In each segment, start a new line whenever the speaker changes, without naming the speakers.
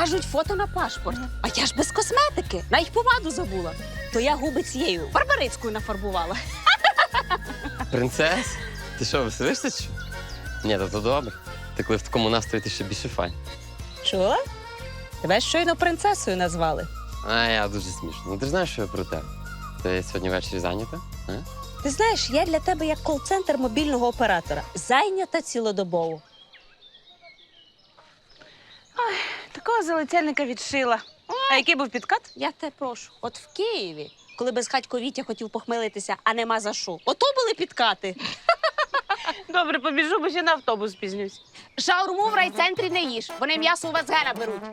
Кажуть, фото на пашпорт. А я ж без косметики. Навіть помаду забула. То я губи цією барбарицькою нафарбувала.
Принцес? Ти що, веселишся чи? Ні, то добре. Ти коли в такому настрої, ти ще більше файн.
Що? Тебе щойно принцесою назвали.
А я дуже смішно. Ну ти ж знаєш, що я про тебе. Ти сьогодні ввечері зайнята? А?
Ти знаєш, я для тебе як кол-центр мобільного оператора. Зайнята цілодобово.
Такого залицяльника відшила. А який був підкат?
Я тебе прошу. От в Києві, коли безхатько Вітя хотів похмелитися, а нема за що. Ото були підкати.
Добре, побіжу, бо ще на автобус пізнюсь.
Шаурму в райцентрі не їж. Вони м'ясо у вас гена беруть.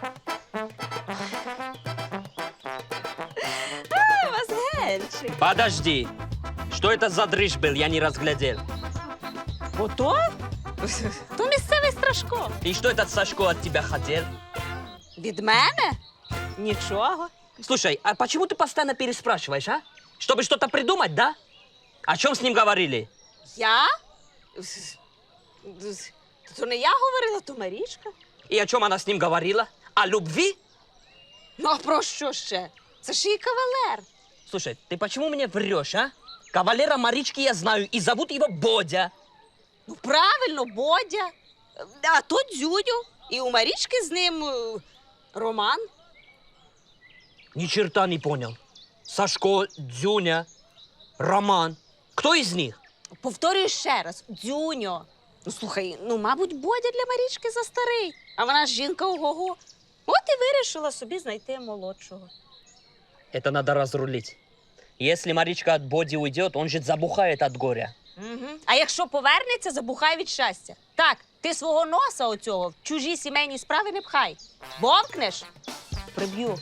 Вазгенчик.
Подожди. Что это за дрыщ был? Я не разглядел.
Ото? То місцевий Страшко.
И что этот Сашко от тебя хотел?
Від мене? Нічого.
Слушай, а почему ты постоянно переспрашиваешь, а? Чтобы что-то придумать, да? О чем с ним говорили?
Я? То не я говорила, то Марічка.
И о чем она с ним говорила? О любви?
Ну, а про що ще? Це ж її кавалер.
Слушай, ты почему мне врешь, а? Кавалера Марички я знаю, и зовут его Бодя.
Ну, правильно, Бодя. А то Дзюню. І у Марічки з ним роман.
Ни черта не понял. Сашко, Дзюня, Роман. Кто из них?
Повторюю ще раз. Дзюньо. Ну, слухай, ну, мабуть, Бодя для Марічки застарий. А вона ж жінка ого-го. От і вирішила собі знайти молодшого.
Это надо разрулить. Если Маричка от Боди уйдет, он же забухает от горя.
Угу. А якщо повернеться, забухай від щастя. Так, ти свого носа оцього в чужі сімейні справи не пхай. Бовкнеш – приб'ю.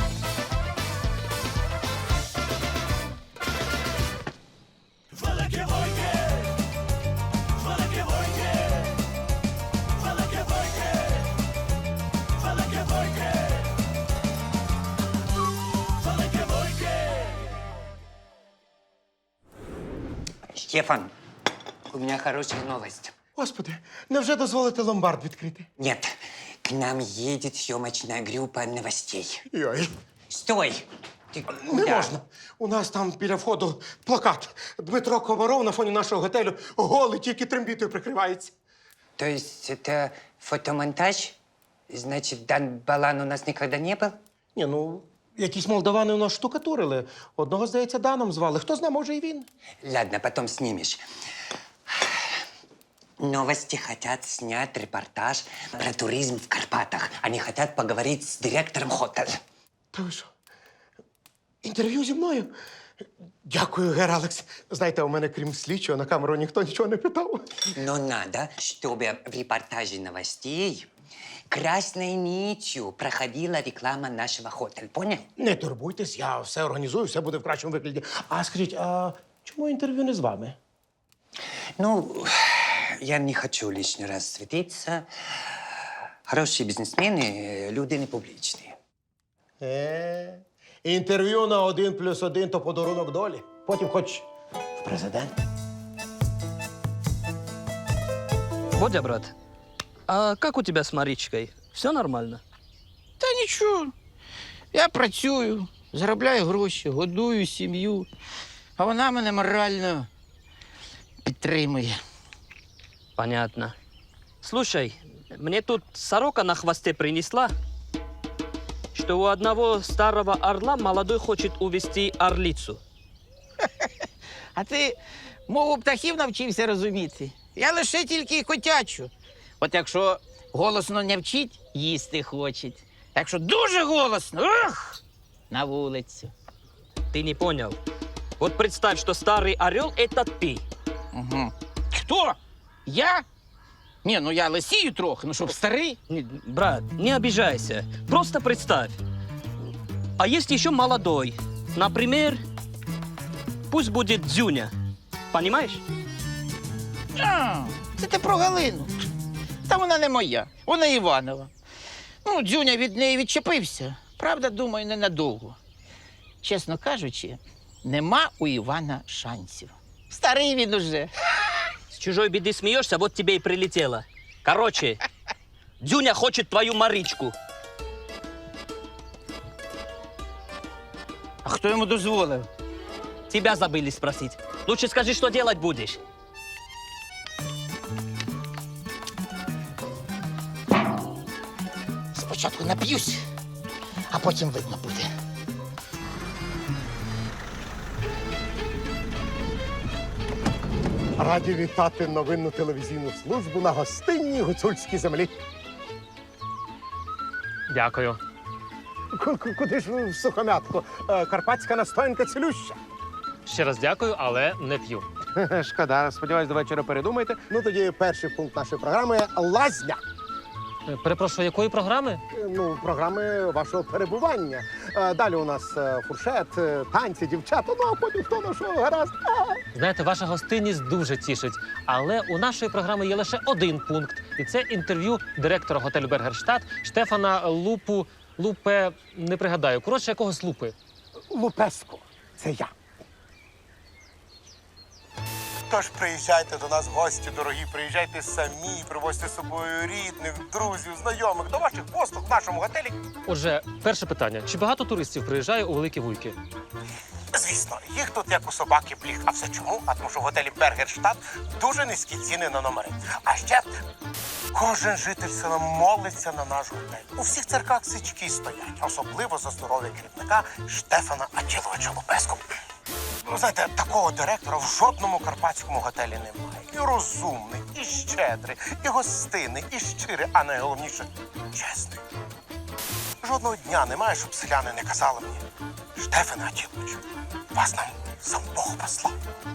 Стефан, у меня хорошая новость.
Господи, невже дозволите ломбард відкрити?
Нет, к нам едет съемочная группа новостей.
Йой,
Стой! Ты
не
куда?
можна. У нас там біля входу плакат. Дмитро Комаров на фоні нашого готелю голий, тільки трембітою прикривається.
То есть это фотомонтаж? Значит, Дан Балан у нас никогда не был?
Ні, ну, якісь молдавани у нас штукатурили. Одного, здається, Даном звали. Хто знає, може, і він.
Ладно, потом снимешь. Новости хотят снять репортаж про туризм в Карпатах. Они хотят поговорить с директором хотеля.
Та ви що? Інтерв'ю зі мною? Дякую, Гер Алекс. Знаєте, у мене, крім слідчого, на камеру ніхто нічого не питав.
Но надо, чтобы в репортаже новостей красной нитью проходила реклама нашего хотеля. Понял?
Не турбуйтесь, я все організую, все буде в кращому вигляді. А скажіть, а чому інтерв'ю не з вами?
Ну, я не хочу лишний раз светиться. Хорошие бизнесмены, люди не публичные.
Інтерв'ю на 1+1 – то подарунок долі. Потім хоч в президент.
Бодя, брат, а как у тебя с Маричкой? Все нормально?
Та нічого. Я працюю, заробляю гроші, годую сім'ю, а вона мене морально підтримує.
Понятно. Слушай, мне тут сорока на хвосте принесла, что у одного старого орла молодой хочет увести орлицу.
А ти мову птахів навчився розуміти? Я лише тільки котячу. От якщо голосно не вчить, їсти хочеть. Якщо дуже голосно, на вулицю.
Ты не понял. Вот представь, что старый орел – это ты.
Угу. Хто? Я? Ні, ну я лисію трохи, ну щоб старий.
Брат, не обижайся. Просто представь. А есть еще молодой. Например, пусть будет Дзюня. Понимаешь?
А, це ти про Галину. Та вона не моя, вона Іванова. Ну, Дзюня від неї відчепився. Правда, думаю, ненадовго. Чесно кажучи, нема у Івана шансів. Старий він уже.
С чужой беды смеешься, вот тебе и прилетело. Короче, Дзюня хочет твою Маричку.
Хто йому дозволив?
Тебя забыли спросить. Лучше скажи, что делать будешь.
Спочатку нап'юсь, а потім видно буде.
Раді вітати новинну телевізійну службу на гостинній гуцульській землі.
Дякую.
Куди ж ви в сухомятку? Карпатська настоянка цілюща.
Ще раз дякую, але не п'ю.
Шкода, сподіваюсь, до вечора передумаєте. Ну, тоді перший пункт нашої програми – лазня.
Перепрошую, якої програми?
Ну, програми вашого перебування. Далі у нас фуршет, танці, дівчата, ну, а потім хто на що гаразд.
Знаєте, ваша гостинність дуже тішить. Але у нашої програми є лише один пункт. І це інтерв'ю директора готелю «Бергерштадт» Штефана Лупе, не пригадаю. Коротше, якогось Лупи.
Лупеско – це я. Тож приїжджайте до нас в гості, дорогі, приїжджайте самі, привозьте з собою рідних, друзів, знайомих, до ваших послуг в нашому готелі.
Отже, перше питання. Чи багато туристів приїжджає у Великі Вуйки?
Звісно, їх тут як у собаки пліг. А все чому? А тому що в готелі «Бергерштадт» дуже низькі ціни на номери. А ще кожен житель села молиться на наш готель. У всіх церквах свічки стоять, особливо за здоров'я керівника Штефана Ачиловича Лупеску. Ну, знаєте, такого директора в жодному карпатському готелі немає. І розумний, і щедрий, і гостинний, і щирий, а найголовніше – чесний. Жодного дня немає, щоб селяни не казали мені: Штефане Ачиловичу, вас нам сам Бог послав.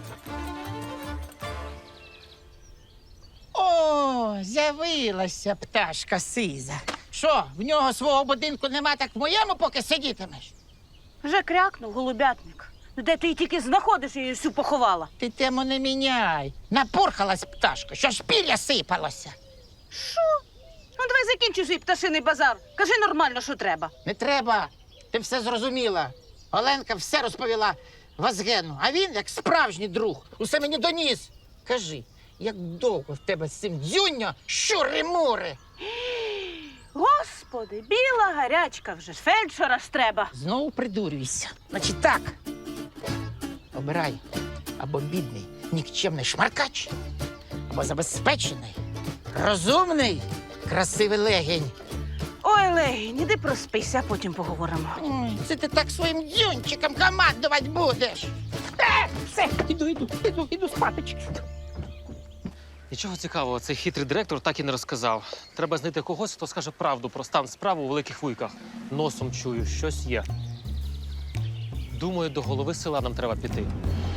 О, з'явилася пташка сиза. Що, в нього свого будинку нема, так в моєму поки сидітимеш?
Вже крякнув голубятник. Ну, де ти її тільки знаходиш, я її всю поховала.
Ти тему не міняй. Напурхалась пташка, що ж пір'я сипалося.
Ну, давай закінчуй свій пташиний базар. Кажи нормально, що треба.
Не треба. Ти все зрозуміла. Оленка все розповіла Вазгену, а він, як справжній друг, усе мені доніс. Кажи, як довго в тебе з цим дзюньо щури-мури?
Господи, біла гарячка вже ж, фельдшера ж треба.
Знову придурюйся. Значить так. Обирай або бідний, нікчемний шмаркач, або забезпечений, розумний, красивий легень.
Ой, Легінь, іди проспися, а потім поговоримо.
Ой, це ти так своїм дзюнчиком командувати будеш. Все, іду спаточки.
Нічого цікавого, цей хитрий директор так і не розказав. Треба знайти когось, хто скаже правду про стан справи у Великих Вуйках. Носом чую, щось є. Думаю, до голови села нам треба піти.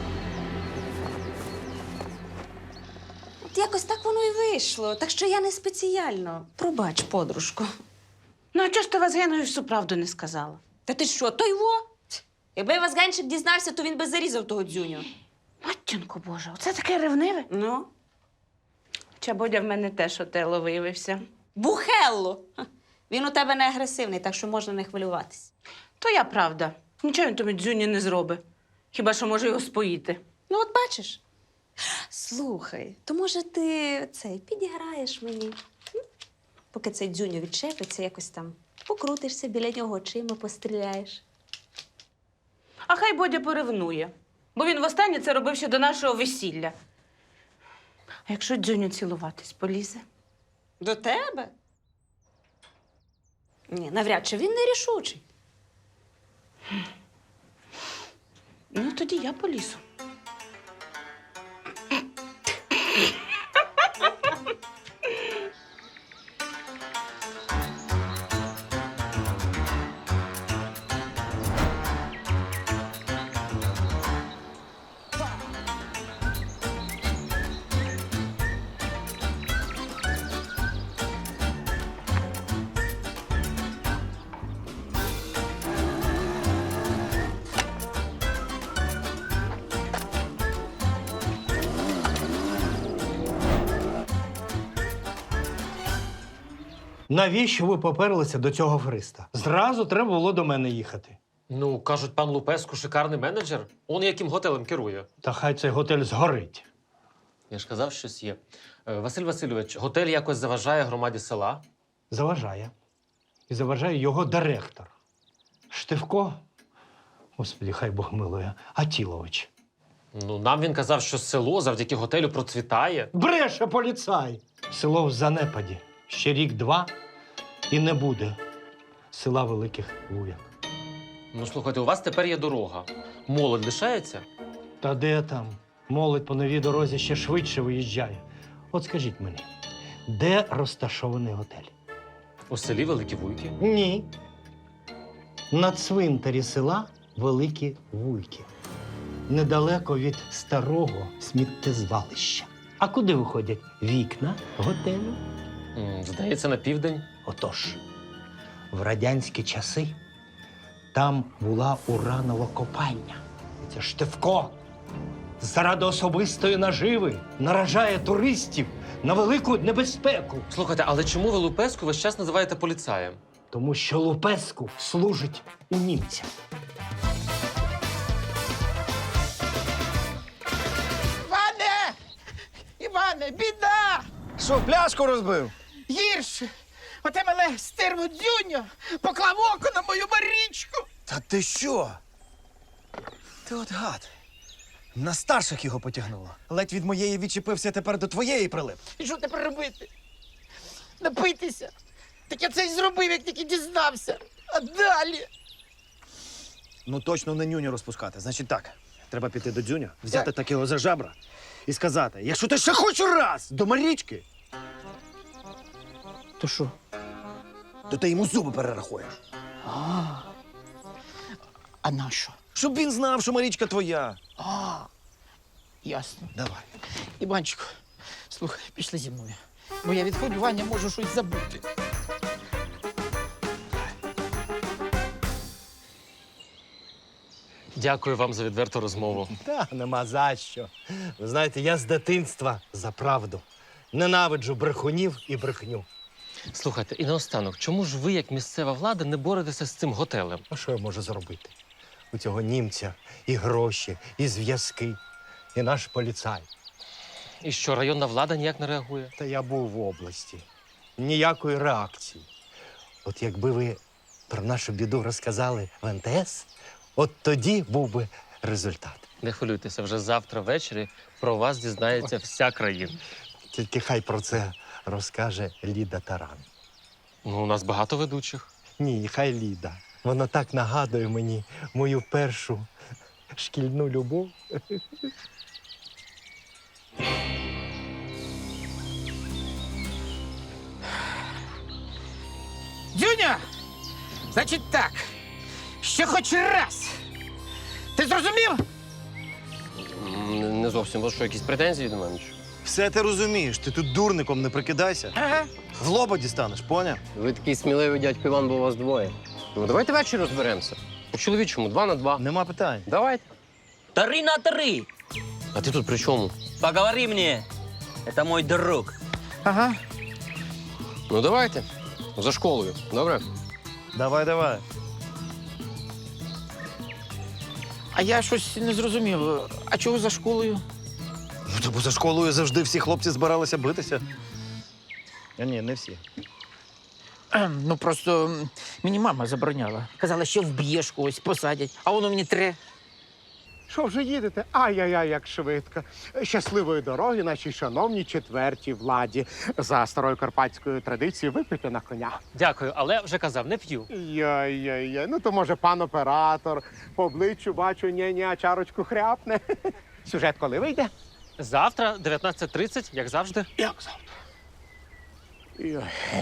От якось так воно і вийшло. Так що я не спеціально. Пробач, подружко.
Ну, а чого ж ти Вазгенові всю правду не сказала?
Та ти що, той во? Якби Вазганчик дізнався, то він би зарізав того дзюню.
Матінко Боже, оце таке ревниве.
Ну?
Чабодя в мене теж отело виявився.
Бухелло! Ха, він у тебе не агресивний, так що можна не хвилюватись.
То я правда. Нічого він тобі дзюні не зробить. Хіба що може його споїти.
Ну, от бачиш. Слухай, то може ти підіграєш мені? М? Поки цей дзюню відчепиться, якось там покрутишся біля нього, очима постріляєш.
А хай Бодя поревнує. Бо він востаннє це робив ще до нашого весілля. А якщо дзюню цілуватись, полізе?
До тебе? Ні, навряд чи він нерішучий.
Ну, тоді я полізу.
Навіщо ви поперлися до цього афериста? Зразу треба було до мене їхати.
Ну, кажуть, пан Лупеску шикарний менеджер. Он яким готелем керує.
Та хай цей готель згорить.
Я ж казав, щось є. Василь Васильович, готель якось заважає громаді села.
Заважає. І заважає його директор. Штивко Господи, хай Бог милує. Атілович.
Ну, нам він казав, що село завдяки готелю процвітає.
Бреше поліцай! Село в занепаді. Ще рік-два і не буде села Великих Луяк.
Ну, слухайте, у вас тепер є дорога. Молодь лишається?
Та де там? Молодь по новій дорозі ще швидше виїжджає. От скажіть мені, де розташований готель?
У селі Великі Вуйки.
Ні. На цвинтарі села Великі Вуйки. Недалеко від старого сміттєзвалища. А куди виходять вікна готелю?
Здається, на південь.
Отож, в радянські часи там була уранова копальня. Це Штивко заради особистої наживи наражає туристів на велику небезпеку.
Слухайте, але чому ви Лупеску весь час називаєте поліцаєм?
Тому що Лупеску служить у німця.
Іване! Іване, біда!
Що, пляшку розбив?
Гірше! Оте мене стерво дзюньо поклав око на мою Марічку!
Та ти що? Ти от гад. На старших його потягнуло. Ледь від моєї відчепився, тепер до твоєї прилип.
І що тепер робити? Напитися? Так я це й зробив, як тільки дізнався. А далі?
Ну точно не нюню розпускати. Значить так, треба піти до дзюня, взяти так його за жабра і сказати, якщо ти ще хоч раз до Марічки,
То що?
то ти йому зуби перерахуєш.
А на що?
Щоб він знав, що Марічка твоя.
Ясно.
Давай.
Іванчику, слухай, пішли зі мною. Бо я від хвилювання можу щось забути.
Дякую вам за відверту розмову.
Та нема за що. Ви знаєте, я з дитинства за правду. Ненавиджу брехунів і брехню.
Слухайте, і наостанок, чому ж ви, як місцева влада, не боретеся з цим готелем?
А що я можу зробити? У цього німця і гроші, і зв'язки, і наш поліцай.
І що, районна влада ніяк не реагує?
Та я був в області. Ніякої реакції. От якби ви про нашу біду розказали в НТС, от тоді був би результат.
Не хвилюйтеся, вже завтра ввечері про вас дізнається вся країна.
Тільки хай про це розкаже Ліда Таран.
Ну, у нас багато ведучих.
Ні, хай Ліда. Вона так нагадує мені мою першу шкільну любов.
Дзюня! Значить так, ще хоч раз. Ти зрозумів?
Не зовсім. У вас що, якісь претензії до мене? чи?
Все ти розумієш, ти тут дурником не прикидайся.
Ага.
В лоба дістанеш, поняв?
Ви такий сміливий дядько Іван, бо у вас двоє. Ну, давайте ввечері розберемося. По-чоловічому, 2 на 2.
Нема питань.
Давайте.
3 на 3.
А ти тут при чому?
Поговори мне. Это мой друг.
Ага.
Ну, давайте. За школою. Добре?
Давай, давай.
А я щось не зрозумів. А чого за школою?
Ну, то бо за школою завжди всі хлопці збиралися битися. А ні, не всі.
Ну просто мені мама забороняла. Казала, що вб'єш когось, посадять, а воно мені тре.
Що вже їдете? Ай-яй-яй, як швидко. Щасливої дороги нашій шановній четвертій владі. За старою карпатською традицією випити на коня.
Дякую, але вже казав, не п'ю.
Яй-яй-яй, ну то може пан оператор. По обличчю бачу, ні-ні, а чарочку хряпне. Сюжет коли вийде?
Завтра, 19:30, як завжди.
Як завтра? Ой.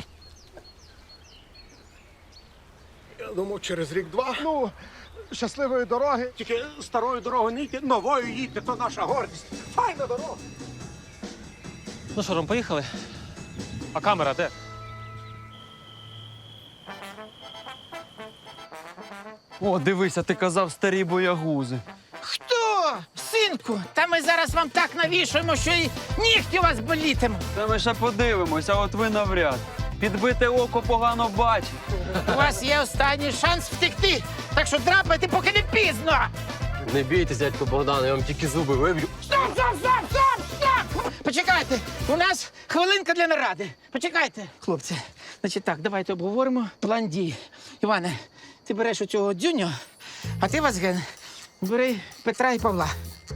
Я думав, через рік-два. Ну, щасливої дороги. Тільки старою дорогою не йти, новою їдьте, то наша гордість. Файна дорога.
Ну що, Ром, поїхали? А камера де?
О, дивися, ти казав старі боягузи.
Хто? Синку, та ми зараз вам так навішуємо, що і нігті у вас болітимуть.
Та ми ще подивимось, а от ви навряд. Підбите око погано бачить.
У вас є останній шанс втекти, так що драпайте, поки не пізно.
Не бійтесь, дядько Богдан, я вам тільки зуби виб'ю.
Стоп, стоп, стоп, стоп, стоп! Почекайте, у нас хвилинка для наради. Почекайте. Хлопці, значить так, давайте обговоримо план дій. Іване, ти береш оцього дзюню А ти, Вазген, бери Петра і Павла.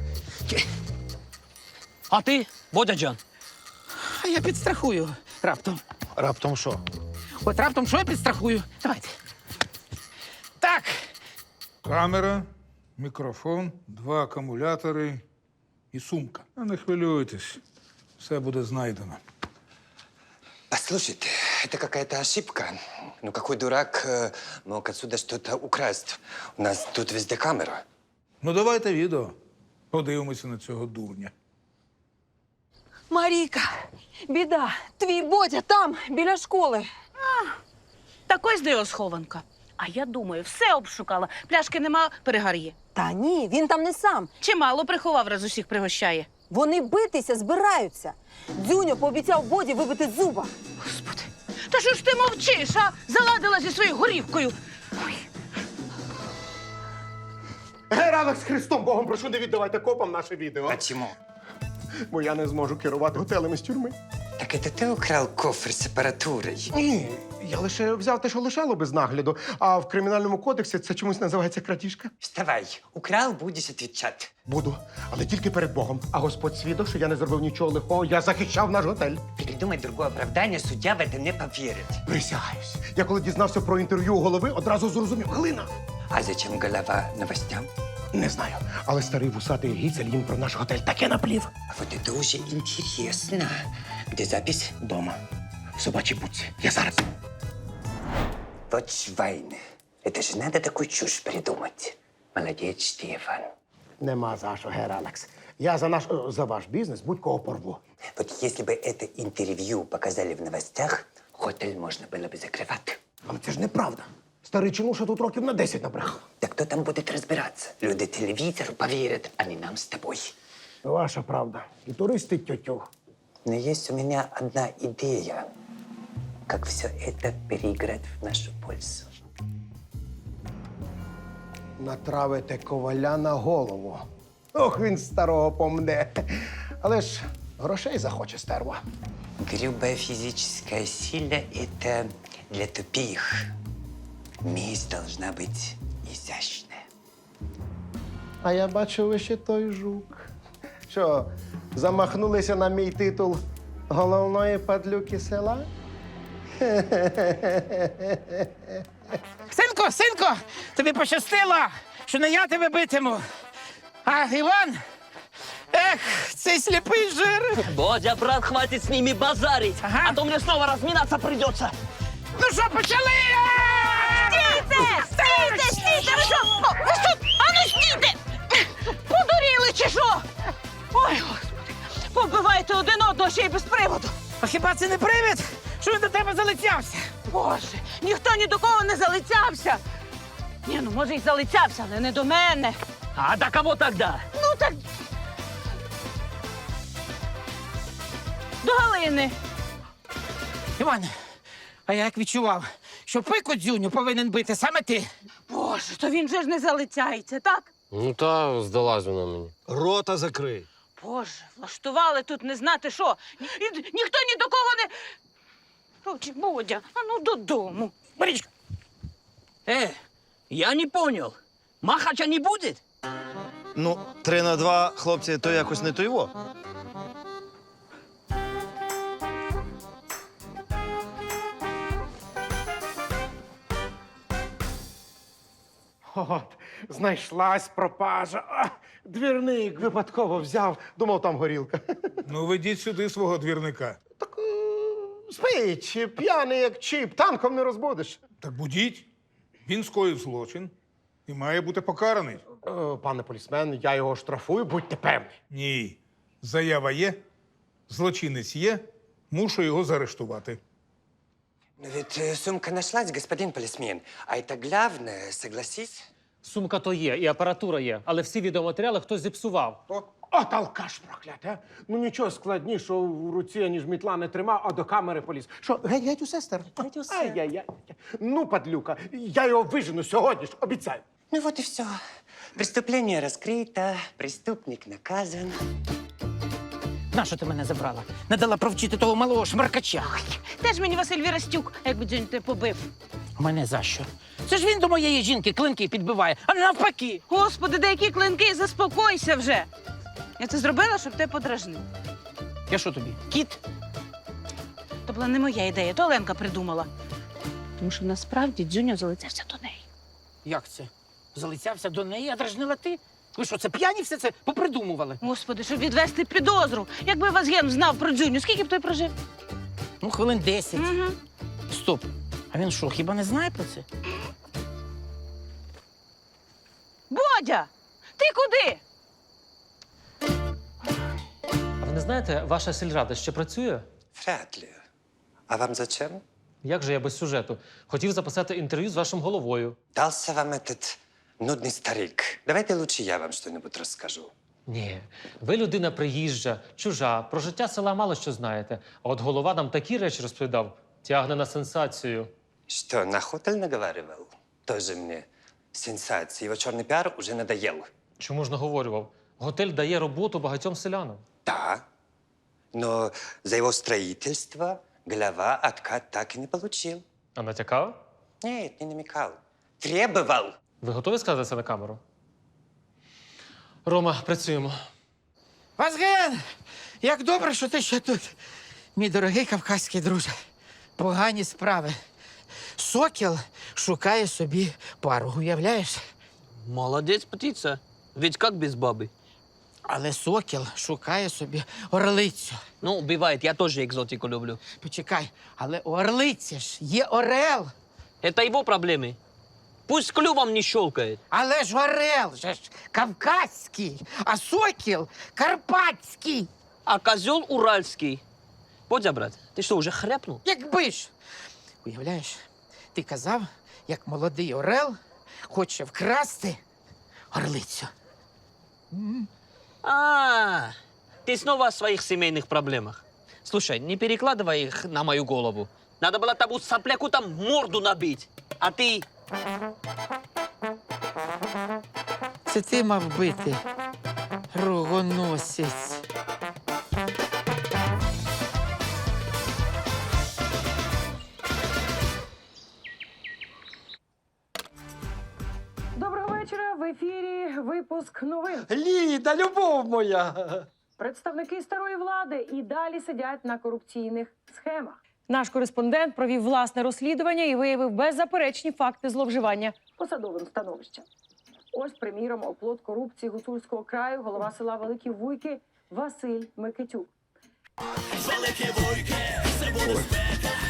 А ти, Бодяджан?
А я підстрахую раптом.
Раптом що?
От раптом що я підстрахую? Давайте. Так,
Камера, мікрофон, 2 акумулятори і сумка. А не хвилюйтесь, все буде знайдено.
Послушайте, это какая-то ошибка. Ну, какой дурак мог отсюда что-то украсть? У нас тут везде камера.
Ну, давайте відео. Подивимося на цього дурня.
Марійка, біда, твій Бодя там, біля школи.
Так ось де його схованка. А я думаю, все обшукала. Пляшки нема, перегар є.
Та ні, він там не сам.
Чимало приховав, раз усіх пригощає.
Вони битися збираються. Дзюньо пообіцяв Боді вибити зуба.
Господи, та що ж ти мовчиш, а? Заладила зі своєю горівкою. Ой.
Гералик з Христом Богом, прошу, не віддавайте копам наше відео.
Почему?
Бо я не зможу керувати готелем з тюрми.
Так это ты украл кофр с аппаратурой?
Ні, я лише взяв те, що лишало без нагляду, а в кримінальному кодексі це чомусь називається крадіжка.
Вставай, украл, будешь отвечать.
Буду, але тільки перед Богом. А Господь свідок, що я не зробив нічого лихого, я захищав наш готель.
Придумай другое оправдание, судья в это не поверит.
Присягаюсь. Я коли дізнався про інтерв'ю у голови, одразу зрозумів. Глина.
А зачем голова новостям?
Не знаю, але старий вусатий гіцель їм про наш готель таке наплів.
А вот это уже интересно. Где запись?
Дома. В собачій будці. Я зараз.
Вот Швайн. Это же надо такую чушь придумать. Молодец, Штефан.
Нема за що, Гералекс. Я за ваш бізнес будь-кого порву.
Вот если бы это интервью показали в новостях, хотель можно было бы закрывать.
Але це ж неправда. Старий чинуша тут років на 10 набрехав.
Да кто там будет разбираться? Люди телевизору поверят, а не нам с тобой.
Ваша правда. І туристи тьотю.
Но есть у меня одна идея, как все это переиграть в нашу пользу.
Натравите коваля на голову. Ох, він старого помне. Але ж грошей захоче стерва.
Грубая физическая сила — это для тупих. Месть должна быть изящная.
А я бачу, ви ще той жук. Що, замахнулися на мій титул головної падлюки села?
синку, тобі пощастило, що не я тебе битиму. А Іван? Ех, цей сліпий жир.
Бодя, брат, хватит с ними базарить,
Ага.
а то мне снова разминаться придется.
Ну що, почали?
Стійте! Ви що? Ви що? А ну стійте! Подуріли чи що? Ой, Господи, побивайте один одного ще й без приводу.
А хіба це не привід, що він до тебе залицявся?
Боже, ніхто ні до кого не залицявся. Ні, ну може й залицявся, але не до мене.
А до кого тогда?
Ну так. До Галини.
Іван, а я як відчував, що пику дзюню повинен бити саме ти.
Боже, то він же ж не залицяється, так?
Ну та здалась вона мені.
Рота закрий.
Боже, влаштували тут не знати що. Ніхто ні до кого не. Короче, Бодя, а ну додому.
Марічка,
Я не понял. Махача не будет?
Ну, 3-2, хлопці, то якось не то його.
От, знайшлась пропажа. А, двірник випадково взяв. Думав, там горілка.
Ну, ведіть сюди свого двірника.
Так спить, п'яний як чіп, танком не розбудиш.
Так будіть. Він скоїв злочин і має бути покараний.
Пане полісмен, я його штрафую, будьте певні.
Ні. Заява є, злочинець є, мушу його заарештувати.
Но ведь сумка нашлась, господин полисмен. А это главное, согласись?
Сумка то є, і апаратура є, але всі відеоматеріали хтось зіпсував.
От алкаш проклятий, а? Ну нічого складнішого в руці, ніж мітла не тримав, а до камери поліз. Що, геть усе, стер? Геть усе. Ай-яй-яй. Ну, падлюка, я його вижену сьогодні ж, обіцяю.
Ну вот и все. Преступление раскрыто, преступник наказан.
нащо ти мене забрала? Не дала провчити того малого шмаркача.
Теж мені Василь Вірастюк, якби дзюнь тебе побив.
У мене за що? Це ж він до моєї жінки клинки підбиває, а не навпаки.
Господи, деякі клинки, заспокойся вже. Я це зробила, щоб тебе подражнив.
Я що тобі? Кіт?
То була не моя ідея, то Оленка придумала. Тому що насправді Дзюня залицявся до неї.
Як це? Залицявся до неї, а дражнила ти? Ви що, це п'яні все це попридумували?
Господи, щоб відвести підозру. Якби Вазген знав про Дзюню, скільки б той прожив?
Ну, хвилин 10.
Угу.
Стоп. А він що, хіба не знає про це?
Бодя! Ти куди?
А ви не знаєте, ваша сільрада ще працює?
Вряд ли. А вам зачем?
Як же я без сюжету? Хотів записати інтерв'ю з вашим головою.
Дался вам этот нудный старик. Давайте лучше я вам что-нибудь расскажу.
Ні, ви людина приїжджа, чужа, про життя села мало що знаєте. А от голова нам такі речі розповідав, тягне на сенсацію.
Что, на хотель наговаривал? Тоже мне сенсации. Его черный пиар уже надоел.
Чому ж наговорював? Готель дає роботу багатьом селянам.
Да, но за его строительство глава откат так и не получил.
А натякав?
Нет, не намекал. Требовал.
Ви готові сказати це на камеру? Рома, працюємо.
Вазген! Як добре, що ти ще тут, мій дорогий кавказький друже. Погані справи. Сокіл шукає собі пару, уявляєш?
Молодец, птица. Ведь как без бабы?
Але сокіл шукає собі орлицю.
Ну, бывает, я тоже экзотику люблю.
Почекай, але у орлиці ж є орел.
Это его проблемы. Пусть клювом не щелкает.
Але ж орел же ж кавказький, а сокіл карпатський.
А козел уральский. Бодя, брат, ты что, уже хряпнул?
Якби ж. Уявляєш, ти казав, як молодий орел хоче вкрасти орлицю.
Ты снова о своих семейных проблемах. Слушай, не перекладывай их на мою голову. Надо было тому сопляку там морду набить. А ты...
Це ти мав бити, рогоносець.
Доброго вечора. В ефірі випуск новин.
Ліда, любов моя!
Представники старої влади і далі сидять на корупційних схемах. Наш кореспондент провів власне розслідування і виявив беззаперечні факти зловживання посадовим становищем. Ось, приміром, оплот корупції Гуцульського краю, голова села Великі Вуйки Василь Микитюк.
Великі Вуйки, це буде спека.